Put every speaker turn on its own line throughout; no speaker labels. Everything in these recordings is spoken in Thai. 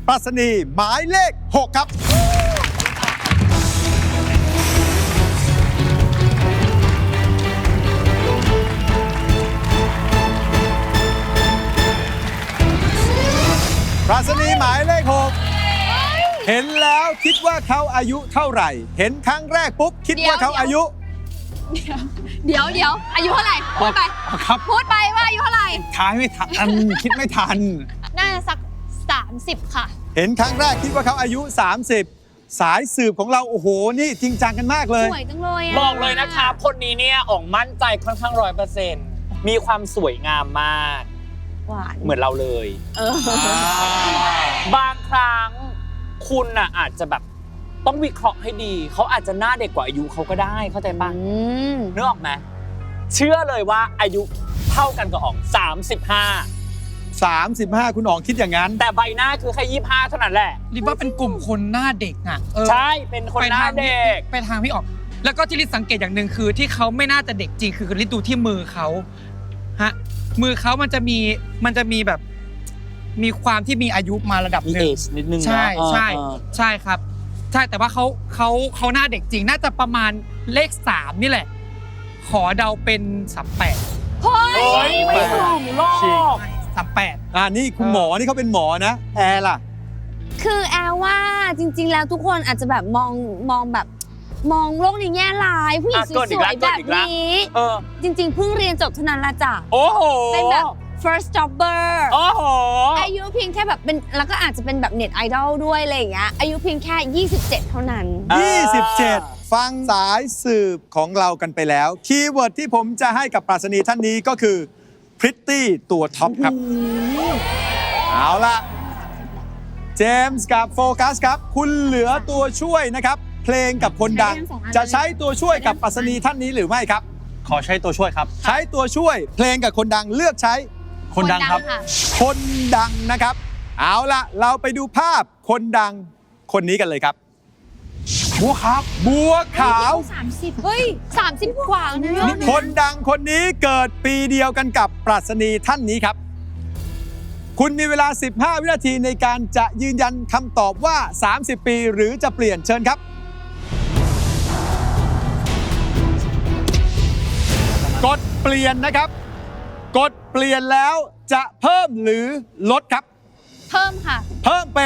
ปรัชนีหมายเลข 6 ครับปรัชนีหมายเลข 6 เห็นแล้วคิดว่าเขาอายุเท่าไหร่ เห็นครั้งแรกปุ๊บคิดว่าเขาอายุ
เดี๋ยวอายุเท่าไหร่พูดไป
ครับ
พูดไปว่าอายุเท่าไหร่
ท้ายไม่ทัน คิดไม่ทัน
น่าจะสัก30ค่ะ
เห็นครั้งแรกคิดว่าเขาอายุ 30 สายสืบของเราโอ้โหนี่จริงจังกันมากเลย
สวยจังเลยอะ
บอกเลยนะคะคนนี้เนี่ยอ่องมั่นใจค่อนข้าง100%มีความสวยงามมาก
หวาน
เหมือนเราเลย บางครั้งคุณน่ะอาจจะแบบต้องวิเคราะห์ให้ดี เขาอาจจะหน้าเด็กกว่าอายุเขาก็ได้เข้าใจปะนึกออกไหมเชื่อเลยว่าอายุเท่ากันกับอ่อง
35 คุณอ๋องคิดอย่างนั้น
แต่ใบหน้าคือแค่25เท่านั้นแหละ
ริบว่าเป็นกลุ่มคนหน้าเด็กอ่ะ
ใช่เป็นคนหน้าเด็ก
ไปทางพี่ออก แล้วก็ที่ริสังเกตอย่างหนึ่งคือที่เขาไม่น่าจะเด็กจริงคือริดูที่มือเขาฮะมือเขามันจะมีแบบมีความที่มีอายุมาระดับ
มี
หนึ่ง
age นิดนึงนะ
ใช่ใช่
เออ
ใช่ครับ ใช่แต่ว่าเขาหน้าเด็กจริงน่าจะประมาณเลข3นี่แหละ ขอเดาเป็น38
เฮ้ย
โอ้ยไม่ถูกหรอก
38
นี่คุณหมอนี่เขาเป็นหมอนะแอร์ล่ะ
คือแอลว่าจริงๆแล้วทุกคนอาจจะแบบมองแบบมองโลกในแง่ร้ายผู้หญิงสวยๆแบบนี้
เออ
จริงๆเพิ่งเรียนจบเท่านั้นละจ้ะ
โอ้โห
เป็นแบบ first jobber
โอ้โห
อายุเพียงแค่แบบเป็นแล้วก็อาจจะเป็นแบบเน็ตไอดอลด้วยอะไรอย่างเงี้ยอายุเพียงแค่27เท่านั้น
27 ฟังสายสืบของเรากันไปแล้ว คีย์เวิร์ดที่ผมจะให้กับปรัชนีท่านนี้ก็คือพริตตี้ตัวท็อปครับ เอาล่ะ เจมส์กับโฟกัสครับ คุณเหลือตัวช่วยนะครับ เพลงกับคนดัง จะใช้ตัวช่วยกับปรัชนีท่านนี้หรือไม่ครับ
ขอใช้ตัวช่วยครับ
ใช้ตัวช่วยเพลงกับคนดังเลือกใช้
คนดังครับ
ค่ะ
คนดังนะครับ เอาล่ะ เราไปดูภาพคนดังคนนี้กันเลยครับ บัวขาวบัวขาว
30เฮ้ย30กว่านะ
คนดังคนนี้เกิดปีเดียวกันกับปรัชนีท่านนี้ครับ คุณมีเวลา 15 วินาทีในการจะยืนยันคำตอบว่า 30 ปีหรือจะเปลี่ยนเชิญครับ กดเปลี่ยนนะครับ กดเปลี่ยนแล้วจะเพิ่มหรือลดครับ
เพิ่มค่ะ
เพิ่มเป็น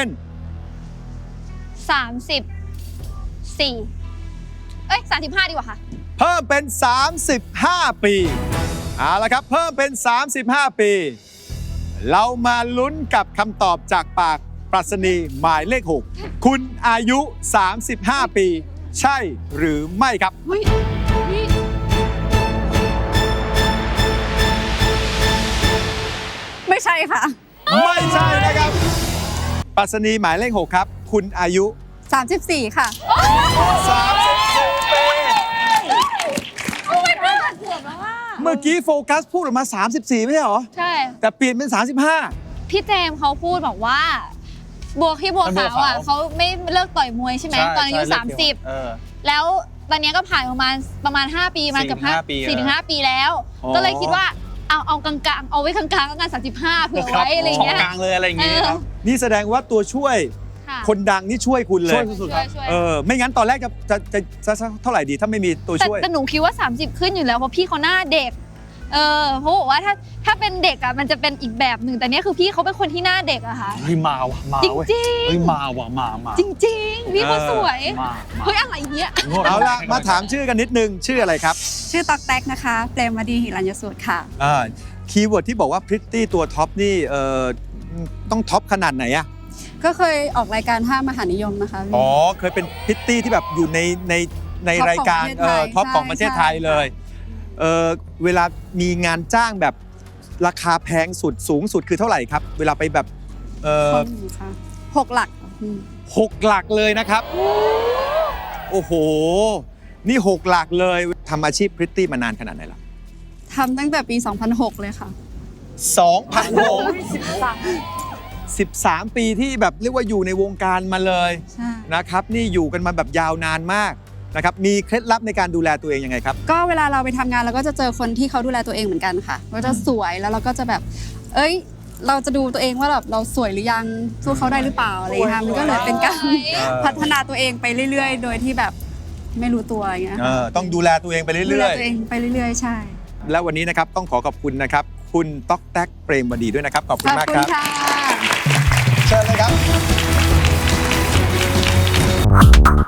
34เอ้ย35ดีกว่าค่ะ
เพิ่มเป็น 35 ปี เอาละครับ เพิ่มเป็น 35 ปี เรามาลุ้นกับคำตอบจากปากปรัชนีหมายเลข 6 คุณอายุ 35 ปี ใช่หรือไม่ครับ
ไม่ใช่ค่ะ
ไม่ใช่นะครับ ปรัชนีหมายเลข 6 ครับ คุณอายุ
34 ค่ะ
34 ปี เมื่อกี้โฟกัสพูดออกมา 34 ไม่ใช่เหรอ
ใช่
แต่เปลี่ยนเป็น 35
พี่เจมส์เขาพูดบอกว่าบัวขาวอ่ะเขาไม่เลิกต่อยมวยใช่ไหมตอนอายุ30แล้วตอนนี้ก็ผ่านประมาณ5 ปีมาเกือบ4-5 ปีแล้ว
อ๋อ
ก็เลยคิดว่าเอากลางๆเอาไว้กลางๆแล้วกัน35เผื่อไว้อะไรอย่างเงี้ย
กลางเลยอะไรอย่างเงี้ยครับ
นี่แสดงว่าตัวช่วย
ค่ะ
คนดังนี่ช่วยคุณเลย
ช่วยสุดๆครับ
ช่วย
ไม่งั้นตอนแรกจะเท่าไหร่ดีถ้าไม่มีตัวช่วย
แต่หนูคิดว่า30ขึ้นอยู่แล้วเพราะพี่เขาหน้าเด็กเพราะบอกว่าถ้าเป็นเด็กอ่ะมันจะเป็นอีกแบบหนึ่งแต่เนี้ยคือพี่เขาเป็นคนที่หน้าเด็กอะค่ะ
เฮ้ยมาว่ะมา
จริง
เว้ย
จริง
เฮ้ยมาว่ะมา
จริงๆพี่เขาสวย
มา
เฮ้ยอะไรเงี้ย
เอาล่ะ มาถามชื่อกันนิดนึง ชื่ออะไรครับ
ชื่อต๊อกแต๊กนะคะ เปรมวดีหิรัญยสูตรค่ะ
คีย์เวิร์ดที่บอกว่าพริตตี้ตัวท็อปนี่ต้องท็อปขนาดไหนอะ
ก็เคยออกรายการ5มหานิยมนะคะ
อ๋อ เคยเป็นพริตตี้ที่แบบอยู่ในรายการท็อปของประเทศไทยเลยเวลามีงานจ้างแบบราคาแพงสุดสูงสุดคือเท่าไหร่ครับ เวลาไปแบบ
ค่ะ6 หลักค่ะพี่
6 หลักเลยนะครับ โอ้โห นี่ 6 หลักเลยทำอาชีพพริตตี้มานานขนาดไหนล่ะ
ทำตั้งแต่ปี 2006 เลยค่ะ
13 ปีที่แบบเรียกว่าอยู่ในวงการมาเลย
ใช่
นะครับ นี่อยู่กันมาแบบยาวนานมากนะครับ มีเคล็ดลับในการดูแลตัวเองยังไงครับ
ก็เวลาเราไปทำงานเราก็จะเจอคนที่เขาดูแลตัวเองเหมือนกันค่ะก็จะสวยแล้วเราก็จะแบบ เอ้ยเราจะดูตัวเองว่าแบบเราสวยหรือยังสู้เขาได้หรือเปล่าอะไรอย่างเงี้ยค่ะมันก็เลยเป็นการพัฒนาตัวเองไปเรื่อยๆ โดยที่แบบไม่รู้ตัวอย่างเงี้ยค่ะ
ต้องดูแลตัวเองไป
ดู
เรื่
แล
อย
ตัวเองไปเรื่อยๆ ใช่
ๆ และวันนี้นะครับต้องขอขอบคุณนะครับ คุณต๊อกแต๊กเปรมวดีด้วยนะครับ ขอบคุ
ข
ณ
อบ
มาก
คุ
ค
ณ
รับ
ค่ะ
เชิญเลยครับ